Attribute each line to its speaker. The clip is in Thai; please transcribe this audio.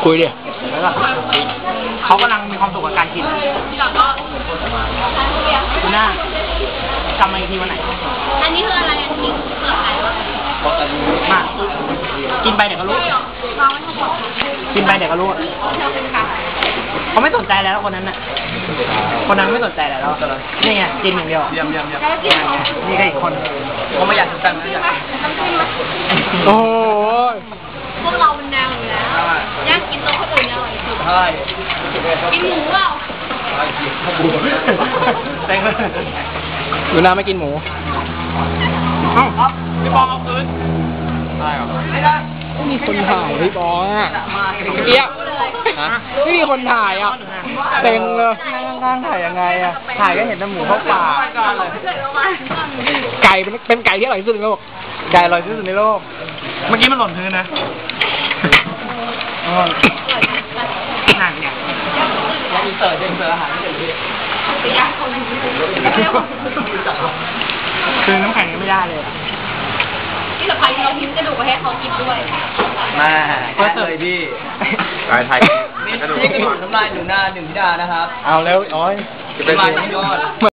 Speaker 1: คุยดิ
Speaker 2: แล้วก็เขากำลังมีความสุขกับการกินคุณหน้ากำมาอีกทีวันไหน
Speaker 3: อันนี้คืออะไรอันนี้เปิดไหนวะ
Speaker 2: มากินไปเดี๋ยวก็รู้กินไปเดี๋ยวก็รู้เขาไม่สนใจแล้วคนนั้นน่ะคนนั้นไม่สนใจแล้วนี่ไงกินอย่างเดียวนี่ก็อีกคนเขาไม่อยากสนใจไม่อยาก
Speaker 1: โอ้โห
Speaker 3: พวกเราเป็นแนวอยู่แล้วย่างกินตัวคนอื่นอร่อยสุดใช่กินหมูเปล่า
Speaker 2: แต่งเลย
Speaker 1: ดูน่าไม่กินหมู
Speaker 2: พี่บอลเอาคืนได้หรอไม่ได้
Speaker 1: ไม่มีคนถ่ายพี่บอลอ่ะเกี้ยไม่มีคนถ่ายอ่ะเต็งเลยนั่งถ่ายยังไงอ่ะถ่ายก็เห็นแต่หมูเข้าปากไก่เป็นไก่ที่อร่อยที่สุดในโลกไก่อร่อยที่สุดในโลก
Speaker 2: เมื่อกี้มันหล่นพื้นนะนั่นเนี่ยยังอินเสิร์ตอาหารไม่เสร็จเลยคือน้ำแข็งยังไม่ได้เลย
Speaker 3: ที่สะพายเราทิ้งกระดูกไปให้เขากินด้วย
Speaker 2: มาเพื่อเลยพี่
Speaker 1: ไทย
Speaker 2: นี่กระดูกน้ำลายหนึ่งหน้าหนึ่งพิดานะครับ
Speaker 1: เอาแล้วโอ้ย
Speaker 2: จะเป็นยอด